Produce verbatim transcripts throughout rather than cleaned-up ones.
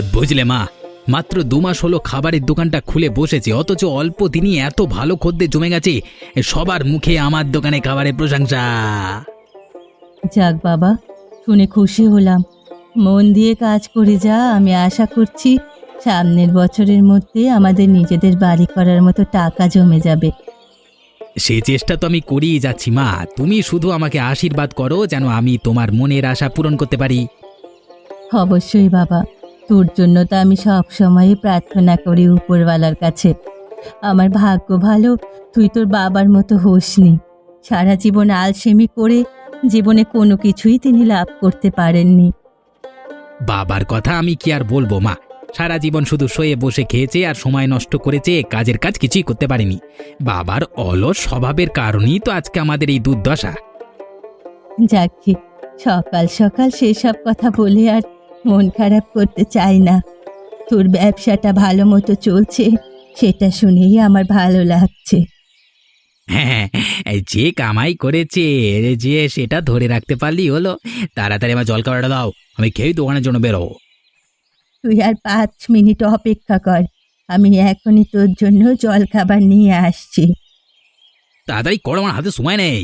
বুঝলে মা, মাত্র দু মাস হলো খাবারের দোকানটা খুলে বসেছে, অথচ অল্প দিনই এত ভালো খদ্দের জমে গেছে। সবার মুখে আমার দোকানে খাবারের প্রশংসা। যাক বাবা, শুনে খুশি হলাম। মন দিয়ে কাজ করে যা, আমি আশা করছি সামনের বছরের মধ্যে আমাদের নিজেদের বাড়ি করার মতো টাকা জমে যাবে। সে চেষ্টা তো আমি করেই যাচ্ছি মা, তুমি শুধু আমাকে আশীর্বাদ করো যেন আমি তোমার মনের আশা পূরণ করতে পারি। অবশ্যই বাবা, তোর জন্য তো আমি সব সময় প্রার্থনা করি উপরওয়ালার কাছে। আমার ভাগ্য ভালো, তুই তোর বাবার মতো হোসনি। সারা জীবন আলসেমি করে জীবনে কোনো কিছুই তিনি লাভ করতে পারেননি। বাবার কথা আমি কি আর বলবো মা, সারা জীবন শুধু শুয়ে বসে খেয়েছে আর সময় নষ্ট করেছে, কাজের কাজ কিছুই করতে পারেনি। বাবার অলস স্বভাবের কারণেই তো আজকে আমাদের এই দুর্দশা। যাকে সকাল সকাল সেসব কথা বলে আর মন খারাপ করতে চাই না। তোর ব্যবসাটা ভালো মতো চলছে, সেটা শুনেই আমার ভালো লাগছে। হ্যাঁ, যে কামাই করেছে যে সেটা ধরে রাখতে পারলি হলো। তাড়াতাড়ি আমার জল খাবারটা দাও, আমি খেয়েই দোকানের জন্য বেরোবো। তুই আর পাঁচ মিনিট অপেক্ষা কর, আমি এখনই তোর জন্য জল খাবার নিয়ে আসছি। তাড়াতাড়ি করো, আমার হাতে সময় নেই।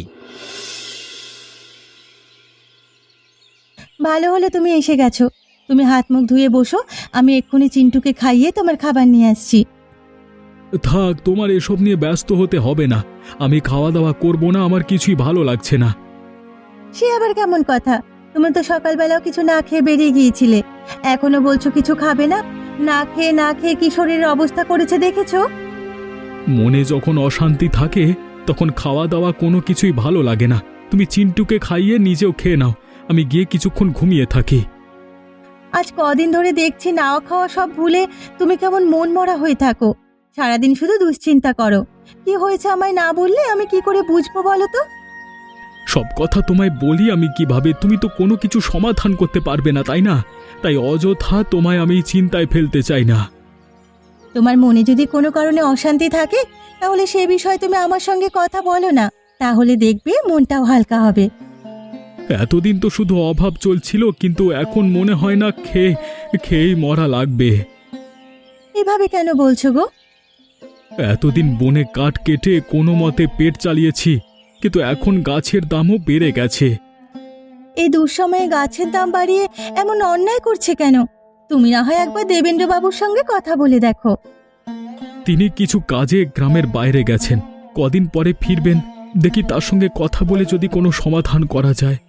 ভালো হলো তুমি এসে গেছো। তুমি হাত মুখ ধুয়ে বসো, আমি এক্ষুনি চিন্টুকে খাইয়ে তোমার খাবার নিয়ে আসছি। থাক, তোমার এসব নিয়ে ব্যস্ত হতে হবে না। আমি খাওয়া দাওয়া করব না, আমার কিছুই ভালো লাগছে না। সে আবার কেমন কথা? তুমি তো সকালবেলাও কিছু না খেয়ে বেরিয়ে গিয়েছিলে, এখনো বলছো কিছু খাবে না। না খেয়ে না খেয়ে কি শরীরের অবস্থা করেছে দেখেছো? মনে যখন অশান্তি থাকে তখন খাওয়া দাওয়া কোনো কিছুই ভালো লাগে না। তুমি চিন্টুকে খাইয়ে নিজেও খেয়ে নাও, আমি গিয়ে কিছুক্ষণ ঘুমিয়ে থাকি। আজ কদিন ধরে দেখছি নাও খাওয়া সব ভুলে তুমি কেমন মন মরা হয়ে থাকো। সারাদিন শুধু দুশ্চিন্তা করো। কি হয়েছে আমায় না বললে আমি কি করে বুঝবো বলো তো? সব কথা তোমায় বলি আমি কিভাবে? তুমি তো কোনো কিছু সমাধান করতে পারবে না, তাই না? তাই অযথা তোমায় আমি চিন্তায় ফেলতে চাই না। তোমার মনে যদি কোনো কারণে অশান্তি থাকে তাহলে সে বিষয়ে তুমি আমার সঙ্গে কথা বলো না, তাহলে দেখবে মনটাও হালকা হবে। এতদিন তো শুধু অভাব চলছিল, কিন্তু এখন মনে হয় না খেয়ে খেয়েই মরা লাগবে। এভাবে কেন বলছো গো? এতদিন বনে কাঠ কেটে কোনো মতে পেট চালিয়েছি, কিন্তু এখন গাছের দামও বেড়ে গেছে। এই দুঃসময়ে গাছের দাম বাড়িয়ে এমন অন্যায় করছে কেন? তুমি না হয় একবার দেবেন্দ্রবাবুর সঙ্গে কথা বলে দেখো। তিনি কিছু কাজে গ্রামের বাইরে গেছেন, কদিন পরে ফিরবেন। দেখি তার সঙ্গে কথা বলে যদি কোনো সমাধান করা যায়।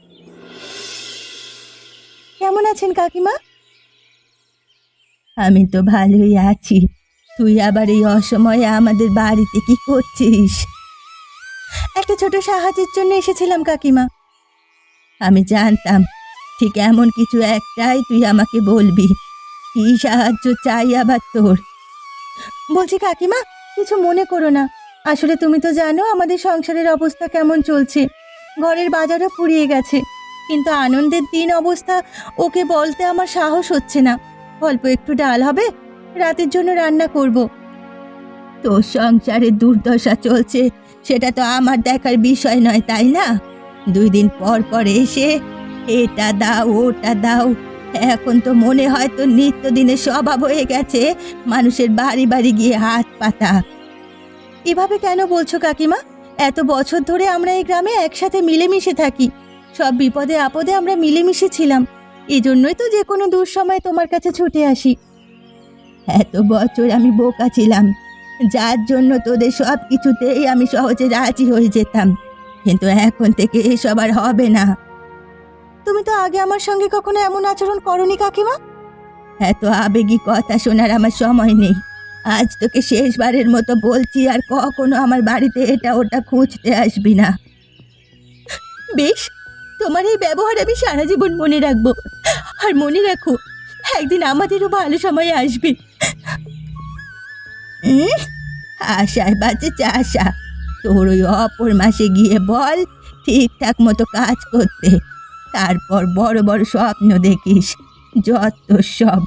কেমন আছেন কাকিমা? আমি তো ভালোই আছি। তুই আবার এই অসময়ে আমাদের বাড়িতে কি করছিস? একটা ছোট সাহায্যের জন্য এসেছিলাম কাকিমা। আমি জানতাম ঠিক এমন কিছু একটাই তুই আমাকে বলবি। কি সাহায্য চাই আবার তোর? বলছি কাকিমা, কিছু মনে করো না। আসলে তুমি তো জানো আমাদের সংসারের অবস্থা কেমন চলছে। ঘরের বাজারও ফুরিয়ে গেছে, কিন্তু আনন্দের দিন অবস্থা ওকে বলতে আমার সাহস হচ্ছে না। অল্প একটু ডাল হবে, রাতের জন্য রান্না করব। তোর সংসারে দুর্দশা চলছে সেটা তো আমার দেখার বিষয় নয়, তাই না? দুই দিন পর পর এসে এটা দাও ওটা দাও। এখন তো মনে হয় তো নিত্যদিনের স্বভাব হয়ে গেছে মানুষের বাড়ি বাড়ি গিয়ে হাত পাতা। এভাবে কেন বলছো কাকিমা? এত বছর ধরে আমরা এই গ্রামে একসাথে মিলেমিশে থাকি। সব বিপদে আপদে আমরা মিলেমিশে ছিলাম। এই জন্যই তো যে কোনো দুঃসময় তোমার কাছে ছুটে আসি। এত বছর আমি বোকা ছিলাম, যার জন্য তোদের সব কিছুতেই আমি সহজে রাজি হয়ে যেতাম। কিন্তু এখন থেকে এসব আর হবে না। তুমি তো আগে আমার সঙ্গে কখনো এমন আচরণ করনি কাকিমা। এত আবেগী কথা শোনার আমার সময় নেই। আজ তোকে শেষবারের মতো বলছি, আর কখনো আমার বাড়িতে এটা ওটা খুঁজতে আসবি না। বেশ, তোমার এই ব্যবহার আমি সারা জীবন মনে রাখবো। আর মনে রাখো, একদিন আমাদেরও ভালো সময় আসবে। উম, আশায় বাজে চাষা। তোর ওই অপর মাসে গিয়ে বল ঠিকঠাক মতো কাজ করতে, তারপর বড় বড় স্বপ্ন দেখিস। যত সব।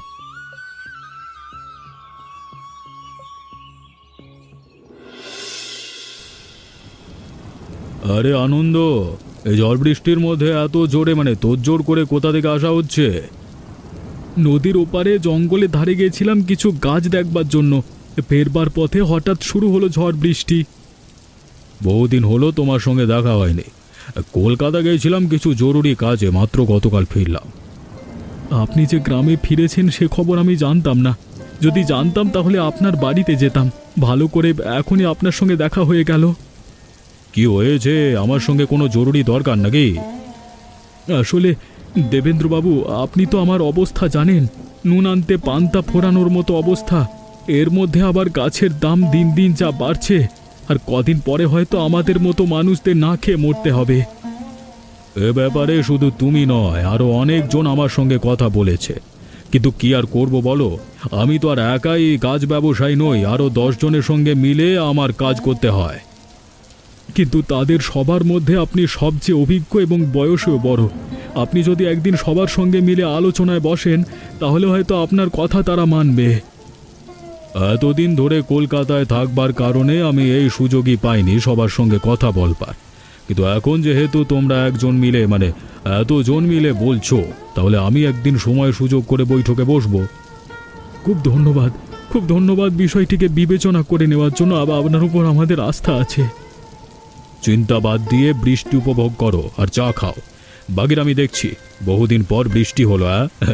আরে আনন্দ, এই ঝড় বৃষ্টির মধ্যে এত জোরে মানে তোর জোর করে কোথা থেকে আসা হচ্ছে? নদীর ওপারে জঙ্গলে ধারে গিয়েছিলাম কিছু গাছ দেখবার জন্য। ফেরবার পথে হঠাৎ শুরু হলো ঝড় বৃষ্টি। বহুদিন হলো তোমার সঙ্গে দেখা হয়নি। কলকাতা গিয়েছিলাম কিছু জরুরি কাজে, মাত্র গতকাল ফিরলাম। আপনি যে গ্রামে ফিরেছেন সে খবর আমি জানতাম না। যদি জানতাম তাহলে আপনার বাড়িতে যেতাম। ভালো করে এখনই আপনার সঙ্গে দেখা হয়ে গেল। কি হয়েছে? আমার সঙ্গে কোনো জরুরি দরকার নাকি? আসলে দেবেন্দ্রবাবু, আপনি তো আমার অবস্থা জানেন। নুন আনতে পান্তা ফোরানোর মতো অবস্থা। এর মধ্যে আবার গাছের দাম দিন দিন যা বাড়ছে, আর কদিন পরে হয়তো আমাদের মতো মানুষদের না খেয়ে মরতে হবে। এ ব্যাপারে শুধু তুমি নয়, আরও অনেকজন আমার সঙ্গে কথা বলেছে। কিন্তু কি আর করব বলো, আমি তো আর একাই কাজ ব্যবসায়ী নই, আরও দশ জনের সঙ্গে মিলে আমার কাজ করতে হয়। কিন্তু তাদের সবার মধ্যে আপনি সবচেয়ে অভিজ্ঞ এবং বয়সেও বড়। আপনি যদি একদিন সবার সঙ্গে মিলে আলোচনায় বসেন তাহলে হয়তো আপনার কথা তারা মানবে। এতদিন ধরে কলকাতায় থাকবার কারণে আমি এই সুযোগই পাইনি সবার সঙ্গে কথা বলবার। কিন্তু এখন যেহেতু তোমরা একজন মিলে মানে এতজন মিলে বলছো, তাহলে আমি একদিন সময় সুযোগ করে বৈঠকে বসবো। খুব ধন্যবাদ, খুব ধন্যবাদ বিষয়টিকে বিবেচনা করে নেওয়ার জন্য। আবার আপনার উপর আমাদের আস্থা আছে। চিন্তা বাদ দিয়ে বৃষ্টি উপভোগ করো আর চা খাও। বাগির আমি দেখছি, বহুদিন পর বৃষ্টি হলো।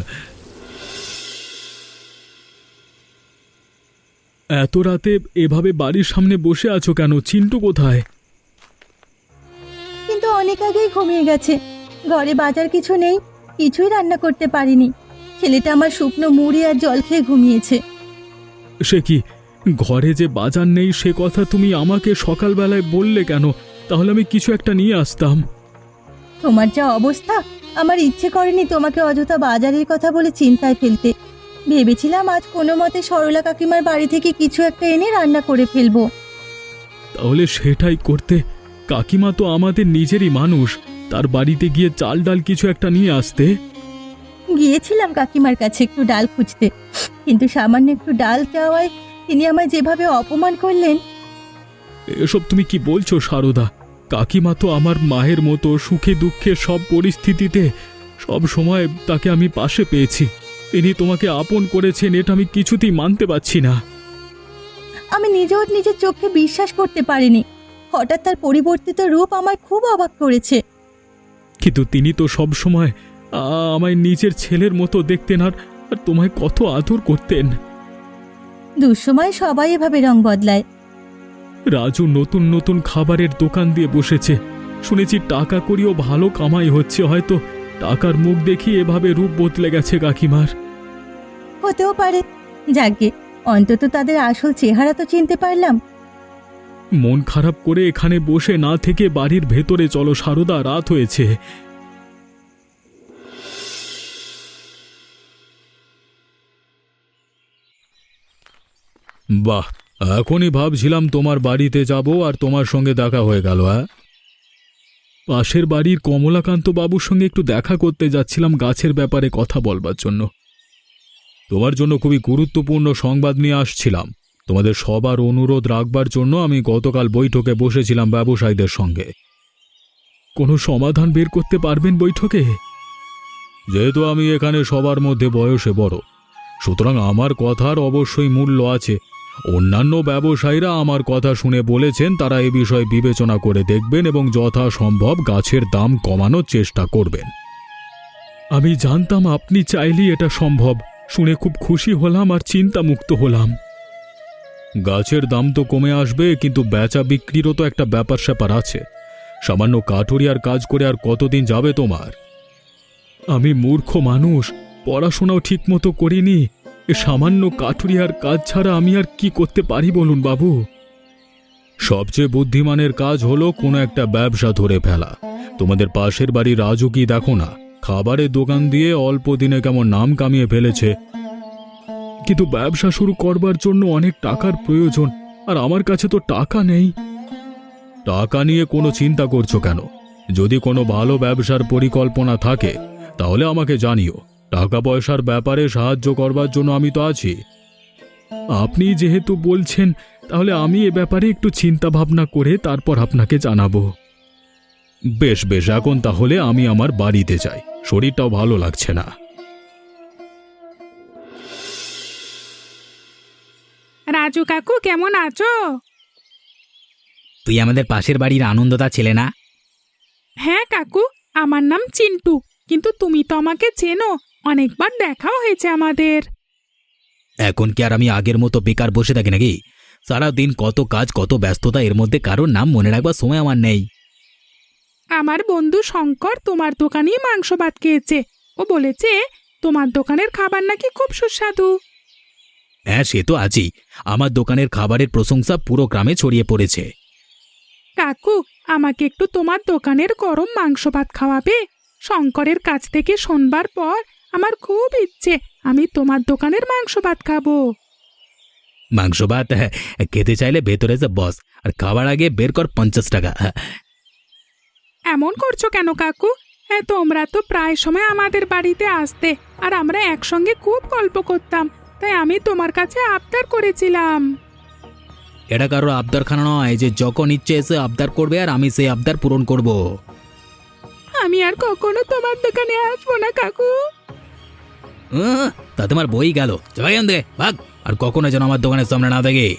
এত রাতে এভাবে বাড়ির সামনে বসে আছো কেন? চিন্টু কোথায়? কিন্তু অনেক আগেই ঘুমিয়ে গেছে। ঘরে বাজার কিছু নেই, কিছুই রান্না করতে পারিনি। ছেলেটা আমার শুকনো মুড়ি আর জল খেয়ে ঘুমিয়েছে। সে কি, ঘরে যে বাজার নেই সে কথা তুমি আমাকে সকালবেলায় বললে কেন? তাহলে আমি কিছু একটা নিয়ে আসতাম। তোমার যা অবস্থা, আমার ইচ্ছে করেনি তোমাকে অযথা বাজারের কথা বলে চিন্তায় ফেলতে। ভেবেছিলাম আজ কোনো মতে সরলা কাকিমার বাড়ি থেকে কিছু একটা এনে রান্না করে ফেলবো। তাহলে সেটাই করতে। কাকিমা তো আমাদের নিজেরই মানুষ, তার বাড়িতে গিয়ে চাল ডাল কিছু একটা নিয়ে আসতে। গিয়েছিলাম কাকিমার কাছে একটু ডাল খুঁজতে, কিন্তু সামান্য একটু ডাল চাওয়ায় তিনি আমায় যেভাবে অপমান করলেন। এসব তুমি কি বলছো সারদা? কাকিমা তো আমার মায়ের মতো, সুখে দুঃখে সব পরিস্থিতিতে সব সময় তাকে আমি পাশে পেয়েছি। তিনি তোমাকে আপন করেছেন, এটা আমি কিছুতেই মানতে পারছি না। আমি নিজেও নিজের চোখে বিশ্বাস করতে পারিনি। হঠাৎ তার পরিবর্তিত রূপ আমায় খুব অবাক করেছে। কিন্তু তিনি তো সব সময় আমায় নিজের ছেলের মতো দেখতেন, আর তোমায় কত আদর করতেন। দুঃসময় সবাই এভাবে রং বদলায়। রাজু নতুন নতুন খাবারের দোকান দিয়ে বসেছে, শুনেছি টাকা করিও ভালো কামাই হচ্ছে। হয়তো টাকার মুখ দেখি এভাবে রূপ বদলে গেছে কাকিমার। হতেও পারে। যাকে অন্তত তাদের আসল চেহারা তো চিনতে পারলাম। মন খারাপ করে এখানে বসে না থেকে বাড়ির ভেতরে চলো সারদা, রাত হয়েছে। বাহ, এখনই ভাবছিলাম তোমার বাড়িতে যাব আর তোমার সঙ্গে দেখা হয়ে গেল। হ্যাঁ, পাশের বাড়ির কমলাকান্ত বাবুর সঙ্গে একটু দেখা করতে যাচ্ছিলাম গাছের ব্যাপারে কথা বলবার জন্য। তোমার জন্য খুবই গুরুত্বপূর্ণ সংবাদ নিয়ে আসছিলাম। তোমাদের সবার অনুরোধ রাখবার জন্য আমি গতকাল বৈঠকে বসেছিলাম ব্যবসায়ীদের সঙ্গে। কোনো সমাধান বের করতে পারবেন বৈঠকে? যেহেতু আমি এখানে সবার মধ্যে বয়সে বড়, সুতরাং আমার কথার অবশ্যই মূল্য আছে। অন্যান্য ব্যবসায়ীরা আমার কথা শুনে বলেছেন তারা এ বিষয়ে বিবেচনা করে দেখবেন এবং যথাসম্ভব গাছের দাম কমানোর চেষ্টা করবেন। আমি জানতাম আপনি চাইলেই এটা সম্ভব। শুনে খুব খুশি হলাম আর চিন্তামুক্ত হলাম। গাছের দাম তো কমে আসবে, কিন্তু বেচা বিক্রিরও তো একটা ব্যাপার স্যাপার আছে। সামান্য কাঠুরিয়ার কাজ করে আর কতদিন যাবে তোমার? আমি মূর্খ মানুষ, পড়াশোনাও ঠিকমতো করিনি। এ সামান্য কাঠুরিয়ার কাজ ছাড়া আমি আর কি করতে পারি বলুন বাবু? সবচেয়ে বুদ্ধিমানের কাজ হলো কোনো একটা ব্যবসা ধরে ফেলা। তোমাদের পাশের বাড়ি রাজু কি দেখো না, খাবারের দোকান দিয়ে অল্প দিনে কেমন নাম কামিয়ে ফেলেছে। কিন্তু ব্যবসা শুরু করবার জন্য অনেক টাকার প্রয়োজন, আর আমার কাছে তো টাকা নেই। টাকা নিয়ে কোনো চিন্তা করছো কেন? যদি কোনো ভালো ব্যবসার পরিকল্পনা থাকে তাহলে আমাকে জানিও। টাকা পয়সার ব্যাপারে সাহায্য করবার জন্য আমি তো আছি। আপনি যেহেতু বলছেন, তাহলে আমি এ ব্যাপারে একটু চিন্তা ভাবনা করে তারপর আপনাকে জানাবো। বেশ বেশ, এখন তাহলে আমি আমার বাড়িতে যাই, শরীরটাও ভালো লাগছে না। রাজু কাকু কেমন আছো? তুই আমাদের পাশের বাড়ির আনন্দদা ছেলে না? হ্যাঁ কাকু, আমার নাম চিন্টু, কিন্তু তুমি তো আমাকে চেনো, অনেকবার দেখাও হয়েছে আমাদের। এখন কি আর আমি আগের মতো বেকার বসে থাকি নাকি? সারাদিন কত কাজ, কত ব্যস্ততা, এর মধ্যে কারোর নাম মনে রাখবার সময় আমার নেই। আমার বন্ধু শঙ্কর তোমার দোকানেই মাংস ভাত খেয়েছে। ও বলেছে তোমার দোকানের খাবার নাকি খুব সুস্বাদু। হ্যাঁ, সে তো আছেই। আমার দোকানের খাবারের প্রশংসা পুরো গ্রামে ছড়িয়ে পড়েছে। কাকু, আমাকে একটু তোমার দোকানের গরম মাংস ভাত খাওয়াবে? শঙ্করের কাছ থেকে শোনবার পর আমার খুব ইচ্ছে আমি তোমার দোকানের মাংস ভাত খাবো। মাংস ভাত হ্যাঁ, খেতে চাইলে ভেতরে যে বস, আর খাবার আগে বের কর পঞ্চাশ টাকা। এমন করছো কেন কাকু? হ্যাঁ, তোমরা তো প্রায় সময় আমাদের বাড়িতে আসতে, আর আমরা একসঙ্গে খুব গল্প করতাম, তাই আমি তোমার কাছে আবদার করেছিলাম। এটা কারো আবদারখানা নয় যে যখন ইচ্ছে এসে আবদার করবে আর আমি সেই আবদার পূরণ করব। আমি আর কখনো তোমার দোকানে আসবো না কাকু। আহ, তাতে আমার বই গেল। যাই এখান থেকে, ভাগ। আর কখনো যেন আমার দোকানের সামনে না থাকে।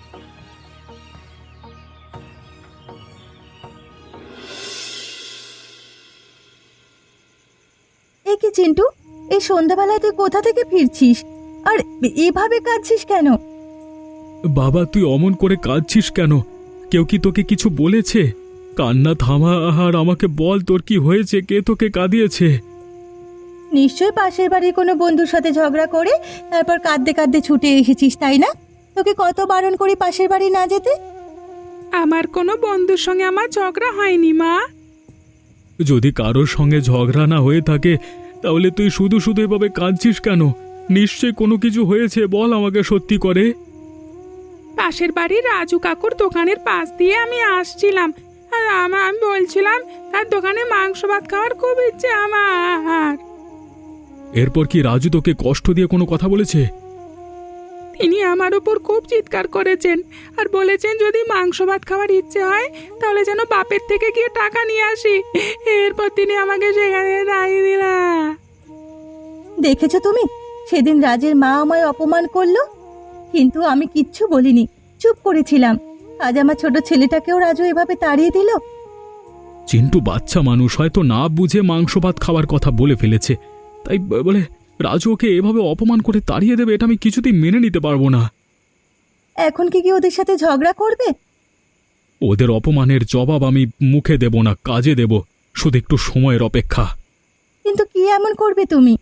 এ কি চিন্টু, এই সন্ধ্যাবেলায় তুই কোথা থেকে ফিরছিস আর এভাবে কাঁদছিস কেন? বাবা, তুই অমন করে কাঁদছিস কেন? কেউ কি তোকে কিছু বলেছে? কান্না থামা আর আমাকে বল, তোর কি হয়েছে? কে তোকে কাঁদিয়েছে? নিশ্চয়ই পাশের বাড়ির কোনো বন্ধুর সাথে ঝগড়া করে তারপর কাঁদতে কাঁদতে ছুটে এসেছিস, তাই না? তোকে কত বারণ করি পাশের বাড়ি না যেতে। আমার কোনো বন্ধুর সঙ্গে আমার ঝগড়া হয়নি মা। যদি কারোর সঙ্গে ঝগড়া না হয়ে থাকে তাহলে তুই শুধু শুধু এভাবে কাঁদছিস কেন? নিশ্চয় কোনো কিছু হয়েছে, বল আমাকে সত্যি করে। পাশের বাড়ির রাজু কাকুর দোকানের পাশ দিয়ে আমি আসছিলাম, আর আমা- আমি বলছিলাম তার দোকানে মাংস ভাত খাওয়ার খুব ইচ্ছে আমার। এরপর কি রাজু তোকে কষ্ট দিয়ে কোনো কথা বলেছে? তিনি আমার উপর খুব চিৎকার করেছেন আর বলেছেন যদি মাংস ভাত খাওয়ার ইচ্ছে হয় তাহলে যেন বাপের থেকে গিয়ে টাকা নিয়ে আসি। এরপর তিনি আমাকে সেখানে দাঁড়িয়ে দিলা। দেখেছো তুমি, সেদিন রাজের মা আমায় অপমান করলো, কিন্তু আমি কিচ্ছু বলিনি, চুপ করেছিলাম। আজ আমার ছোট ছেলেটাকেও রাজু এভাবে তাড়িয়ে দিল। চিন্টু বাচ্চা মানুষ, হয়তো না বুঝে মাংস ভাত খাওয়ার কথা বলে ফেলেছে, তাই ব- বলে রাজু ওকে এভাবে অপমান করে তাড়িয়ে দেবে, এটা আমি কিছুতেই মেনে নিতে পারবো না। এখন কি কি ওদের সাথে ঝগড়া করবে? ওদের অপমানের জবাব আমি মুখে দেব না, কাজে দেব, শুধু একটু সময়ের অপেক্ষা। কিন্তু কি এমন করবে তুমি?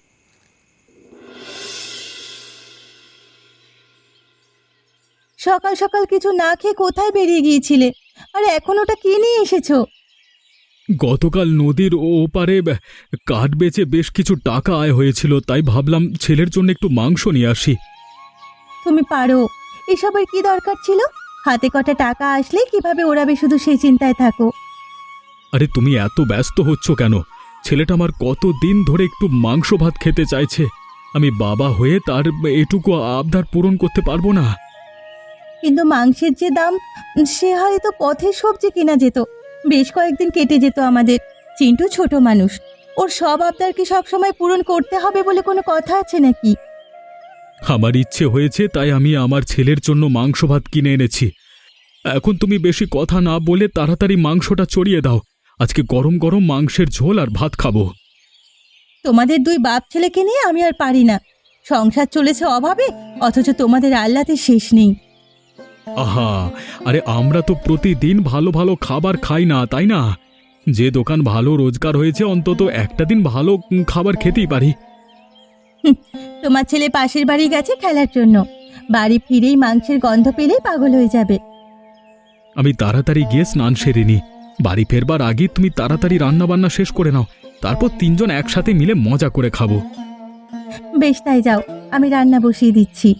সকাল সকাল কিছু না খেয়ে কোথায় বেরিয়ে গিয়েছিলে, আর এখন ওটা কি নিয়ে এসেছো? গতকাল নদীর ও ওপারে ব- কাঠ বেচে বেশ কিছু টাকা আয় হয়েছিল, তাই ভাবলাম ছেলের জন্য একটু মাংস নিয়ে আসি। তুমি পারো, এসবের কি দরকার ছিল? হাতে কটা টাকা আসলে কিভাবে ওড়াবে শুধু সেই চিন্তায় থাকো। আরে তুমি এত ব্যস্ত হচ্ছ কেন? ছেলেটা আমার কত দিন ধরে একটু মাংস ভাত খেতে চাইছে, আমি বাবা হয়ে তার এটুকু আবদার পূরণ করতে পারবো না? কিন্তু মাংসের যে দাম, সে হয়তো পথে সবজি কেনা যেত, বেশ কয়েকদিন কেটে যেত আমাদের। চিন্টু ছোট মানুষ, ওর সব আবদার কি সবসময় পূরণ করতে হবে বলে কোনো কথা আছে নাকি? আমার ইচ্ছে হয়েছে তাই আমি আমার ছেলের জন্য মাংস ভাত কিনে এনেছি। এখন তুমি বেশি কথা না বলে তাড়াতাড়ি মাংসটা চড়িয়ে দাও, আজকে গরম গরম মাংসের ঝোল আর ভাত খাবো। তোমাদের দুই বাপ ছেলেকে নিয়ে আমি আর পারি না। সংসার চলেছে অভাবে, অথচ তোমাদের আহ্লাদের শেষ নেই। আহা, আরে আমরা তো প্রতিদিন ভালো ভালো খাবার খাই না, তাই না? যে দোকান ভালো রোজগার হয়েছে অন্তত একটা দিন ভালো উম, খাবার খেতেই পারি। তোমার ছেলে পাশের বাড়ি গেছে খেলার জন্য, বাড়ি ফিরেই মাংসের গন্ধ পেলেই পাগল হয়ে যাবে। আমি তাড়াতাড়ি গিয়ে স্নান সেরে নি, বাড়ি ফেরবার আগে তুমি তাড়াতাড়ি রান্না বান্না শেষ করে নাও, তারপর তিনজন একসাথে মিলে মজা করে খাবো। বেশ, তাই যাও, আমি রান্না বসিয়ে দিচ্ছি।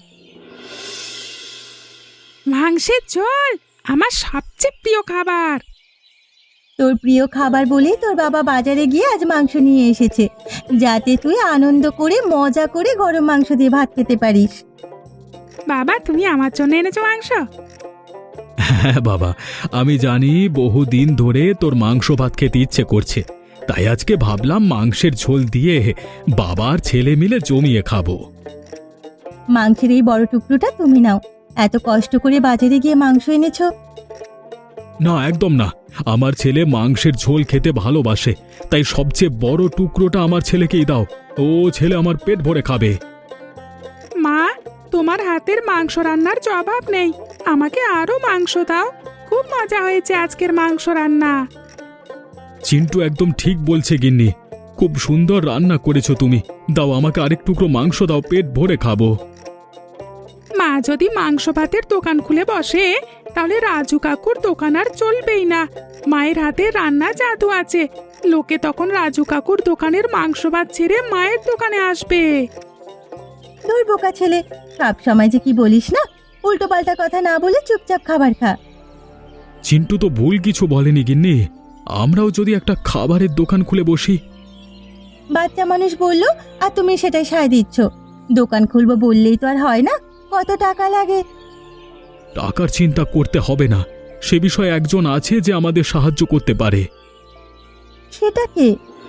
মাংসের ঝোল আমার সবচেয়ে প্রিয় খাবার। তোর প্রিয় খাবার বলেই তোর বাবা বাজারে গিয়ে আজ মাংস নিয়ে এসেছে, যাতে তুই আনন্দ করে মজা করে গরম মাংস দিয়ে ভাত খেতে পারিস। বাবা, তুমি আমার জন্য এনেছো মাংস? হ্যাঁ বাবা, আমি জানি বহুদিন ধরে তোর মাংস ভাত খেতে ইচ্ছে করছে, তাই আজকে ভাবলাম মাংসের ঝোল দিয়ে বাবার ছেলে মিলে জমিয়ে খাবো। মাংসের এই বড় টুকরোটা তুমি নাও, এত কষ্ট করে বাজারে গিয়ে মাংস এনেছো। না, একদম না। আমার ছেলে মাংসের ঝোল খেতে ভালোবাসে, তাই সবচেয়ে বড় টুকরোটা আমার ছেলেকেই দাও। ও ছেলে আমার পেট ভরে খাবে। মা, তোমার হাতের মাংস রান্নার জবাব নেই। আমাকে আরো মাংস দাও। খুব মজা হয়েছে আজকের মাংস রান্না। চিন্টু একদম ঠিক বলছে গিন্নি, খুব সুন্দর রান্না করেছো তুমি। দাও আমাকে আরেক টুকরো মাংস দাও, পেট ভরে খাবো। মা যদি মাংস ভাতের দোকান খুলে বসে তাহলে রাজু কাকুর দোকান আর চলবেই না। মায়ের হাতে রান্না জাদু আছে, লোকে তখন রাজু কাকুর দোকানের মাংস ভাত ছেড়ে মায়ের দোকানে আসবে। তোর বোকা ছেলে, সব সময় যে কি বলিস না, উল্টো পাল্টা কথা না বলে চুপচাপ খাবার খা। চিন্টু তো ভুল কিছু বলেনি গিন্নি, আমরাও যদি একটা খাবারের দোকান খুলে বসি। বাচ্চা মানুষ বললো আর তুমি সেটাই সায় দিচ্ছ। দোকান খুলবো বললেই তো আর হয় না, কত টাকা লাগে। টাকার চিন্তা করতে হবে না, সে বিষয়ে একজন আছে যে আমাদের সাহায্য করতে পারে। সেটা কে?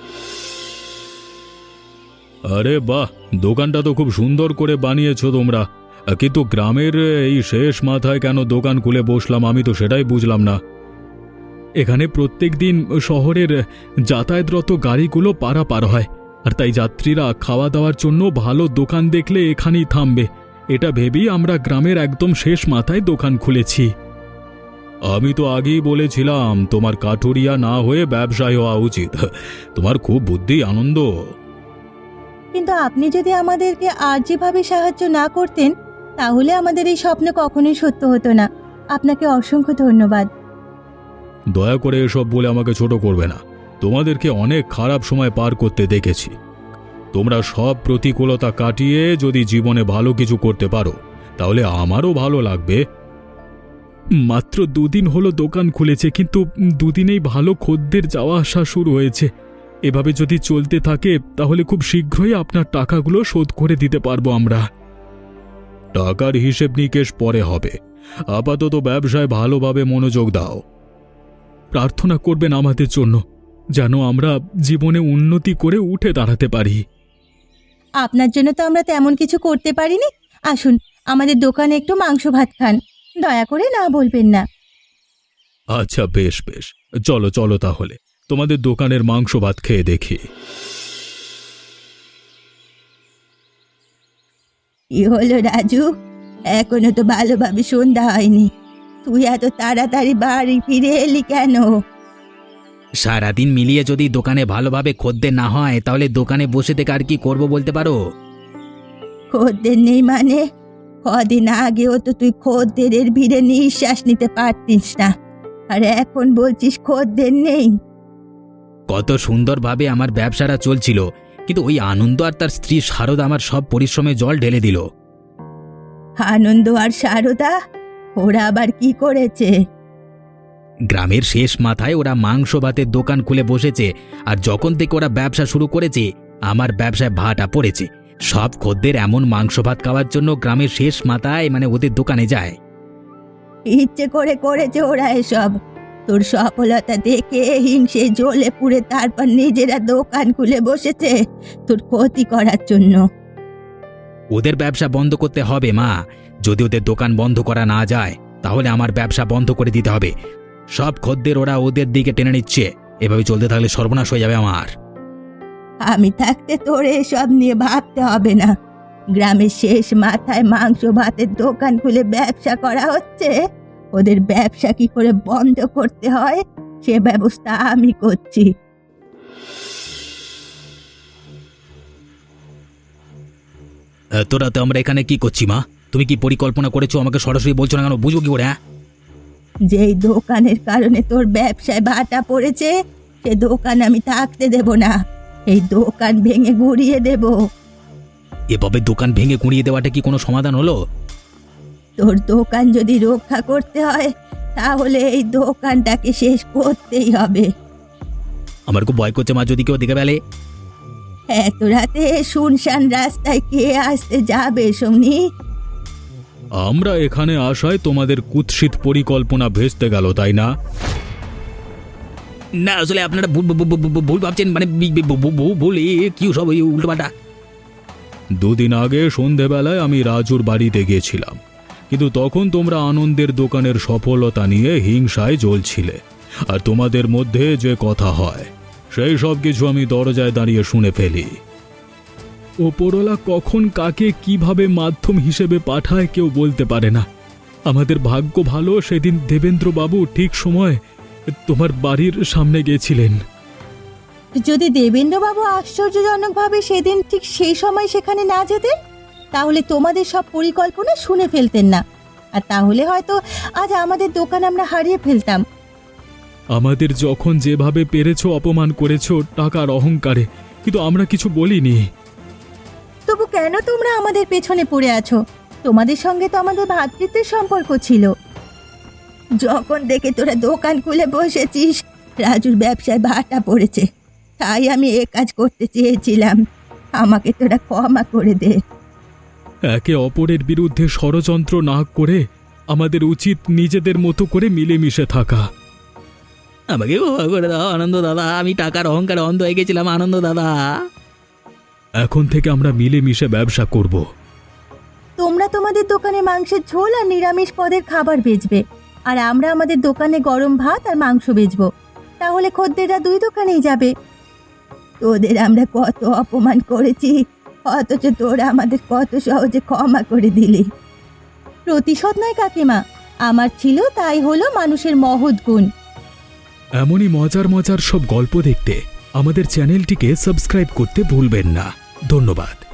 আরে বাহ, দোকানটা তো খুব সুন্দর করে বানিয়েছো তোমরা, কিন্তু গ্রামের এই শেষ মাথায় কেন দোকান খুলে বসলাম আমি তো সেটাই বুঝলাম না। এখানে প্রত্যেক দিন শহরের যাতায়াতরত গাড়িগুলো পারাপার হয়, আর তাই যাত্রীরা খাওয়া দাওয়ার জন্য ভালো দোকান দেখলে এখানেই থামবে, এটা ভেবেই আমরা গ্রামের একদম শেষ মাথায় দোকান খুলেছি। আমি তো আগেই বলেছিলাম তোমার কাঠুরিয়া না হয়ে ব্যবসায় হওয়া উচিত। তোমার খুব বুদ্ধি, আনন্দ। কিন্তু আপনি যদি আমাদেরকে আর যেভাবে সাহায্য না করতেন তাহলে আমাদের এই স্বপ্ন কখনোই সত্য হতো না। আপনাকে অসংখ্য ধন্যবাদ। দয়া করে এসব বলে আমাকে ছোট করবে না। তোমাদেরকে অনেক খারাপ সময় পার করতে দেখেছি। তোমরা সব প্রতিকূলতা কাটিয়ে যদি জীবনে ভালো কিছু করতে পারো তাহলে আমারও ভালো লাগবে। মাত্র দুদিন হলো দোকান খুলেছে, কিন্তু দুদিনেই ভালো খদ্দের যাওয়া আসা শুরু হয়েছে। এভাবে যদি চলতে থাকে তাহলে খুব শীঘ্রই আপনার টাকাগুলো শোধ করে দিতে পারবো আমরা। টাকার হিসেব নিকেশ পরে হবে, আপাতত ব্যবসায় ভালোভাবে মনোযোগ দাও। প্রার্থনা করবেন আমাদের জন্য, যেন আমরা জীবনে উন্নতি করে উঠে দাঁড়াতে পারি। আপনার জন্য তো আমরা তেমন কিছু করতে পারিনি। আসুন আমাদের দোকানে একটু মাংস ভাত খান, দয়া করে না বলবেন না। আচ্ছা বেশ বেশ, চলো চলো তাহলে তোমাদের দোকানের মাংস ভাত খেয়ে দেখি। কি হলো রাজু, এখনো তো ভালোভাবে সন্ধ্যা হয়নি, তুই এত তাড়াতাড়ি বাড়ি ফিরে এলি কেন? সারাদিন মিলিয়ে যদি দোকানে ভালোভাবে খদ্দের না হয় তাহলে দোকানে বসে থেকে আর কি করব বলতে পারো? খদ্দের নেই মানে? কদিন আগেও তো তুই খদ্দেরের ভিড়ে নিঃশ্বাস নিতে পারতিস না, আর এখন বলছিস খদ্দের নেই। কত সুন্দরভাবে আমার ব্যবসাটা চলছিল, কিন্তু ওই আনন্দ আর তার স্ত্রী শারদা আমার সব পরিশ্রমে জল ঢেলে দিল। আনন্দ আর শারদা, ওরা আবার কি করেছে? গ্রামের শেষ মাথায় ওরা মাংস ভাতের দোকান খুলে বসেছে, আর যখন থেকে ওরা ব্যবসা শুরু করেছে আমার ব্যবসায় ভাটা পড়েছে। সব খদ্দের এমন মাংস ভাত খাওয়ার জন্য গ্রামের শেষ মাথায় মানে ওদের দোকানে যায়। ইচ্ছে করে করেছে ওরা এসব। তোর সফলতা দেখে হিংসে জ্বলে পুড়ে তারপর নিজেরা দোকান খুলে বসেছে তোর ক্ষতি করার জন্য। ওদের ব্যবসা বন্ধ করতে হবে মা। যদি ওদের দোকান বন্ধ করা না যায় তাহলে আমার ব্যবসা বন্ধ করে দিতে হবে। সব খদ্দের ওরা ওদের দিকে টেনে নিচ্ছে, এভাবে চলতে থাকলে সর্বনাশ হয়ে যাবে আমার। আমি থাকতে তোর এসব নিয়ে ভাবতে হবে না। গ্রামের শেষ মাথায় মাংস ভাতের দোকান খুলে ব্যবসা করা হচ্ছে, ওদের ব্যবসা কি করে বন্ধ করতে হয় সে ব্যবস্থা আমি করছি। তোরা তো আমরা এখানে কি করছি মা? তুমি কি পরিকল্পনা করেছো আমাকে সরাসরি বলছো না কেন? বুঝবো কি করে? হ্যাঁ, যেই দোকানের কারণে তোর ব্যবসায় ভাটা পড়েছে সে দোকান আমি থাকতে দেব না, এই দোকান ভেঙে গুড়িয়ে দেব। এভাবে দোকান ভেঙে গুঁড়িয়ে দেওয়াটা কি কোনো সমাধান হলো? তোর দোকান যদি রক্ষা করতে হয় তাহলে এই দোকানটাকে শেষ করতেই হবে। আমার খুব ভয় করছে মা, যদি কেউ দেখে ফেলে। এত রাতে শুনশান রাস্তায় কে আসতে যাবে শুনি? আমরা এখানে আসায় তোমাদের কুৎসিত পরিকল্পনা ভেস্তে গেল, তাই না? না আসলে আপনারা ভুল ভুল ভাবছেন, মানে ভুল কি সব উল্টোপাল্টা। দুদিন আগে সন্ধেবেলায় আমি রাজুর বাড়িতে গিয়েছিলাম, কিন্তু তখন তোমরা আনন্দের দোকানের সফলতা নিয়ে হিংসায় জ্বলছিলে। আর তোমাদের মধ্যে যে কথা হয় সেই সব কিছু আমি দরজায় দাঁড়িয়ে শুনে ফেলি। ওপরওয়ালা কখন কাকে কিভাবে মাধ্যম হিসেবে পাঠায় কেউ বলতে পারে না। আমাদের ভাগ্য ভালো, সেদিন দেবেন্দ্রবাবু ঠিক সময় তোমার বাড়ির সামনে গেছিলেন। যদি দেবেন্দ্রবাবু আশ্চর্যজনকভাবে সেদিন ঠিক সেই সময় সেখানে না যেতেন, তাহলে তোমাদের সব পরিকল্পনা শুনে ফেলতেন না, আর তাহলে হয়তো আজ আমাদের দোকান আমরা হারিয়ে ফেলতাম। আমাদের যখন যেভাবে পেরেছো অপমান করেছো টাকার অহংকারে, কিন্তু আমরা কিছু বলিনি। তবু কেন তোমরা আমাদের পেছনে পড়ে আছো? তোমাদের সঙ্গে তো আমাদের ভ্রাতৃত্বের সম্পর্ক ছিল। যখন দেখে তোরা দোকান খুলে বসেছিস, রাজুর ব্যবসায় ভাটা পড়েছে, তাই আমি এ কাজ করতে চেয়েছিলাম। আমাকে তোরা ক্ষমা করে দে। একে অপরের বিরুদ্ধে ষড়যন্ত্র না করে আমাদের উচিত নিজেদের মতো করে মিলেমিশে থাকা। আমাকে ক্ষমা করে দাও আনন্দ দাদা, আমি টাকার অহংকারে অন্ধ হয়ে গেছিলাম আনন্দ দাদা। এখন থেকে আমরা মিলেমিশে ব্যবসা করব। তোমরা তোমাদের দোকানে মাংসের ঝোল আর নিরামিষ পদের খাবার বেচবে, আর আমরা আমাদের দোকানে গরম ভাত আর মাংস বেচবো। তাহলে খদ্দেররা দুই দোকানেই যাবে। তোদের আমরা কত অপমান করেছি, অথচ তোরা আমাদের কত সহজে ক্ষমা করে দিলি। প্রতিশোধ নয় কাকিমা, আমার ছিল তাই হলো মানুষের মহৎ গুণ। এমনই মজার মজার সব গল্প দেখতে আমাদের চ্যানেলটিকে সাবস্ক্রাইব করতে ভুলবেন না। ধন্যবাদ।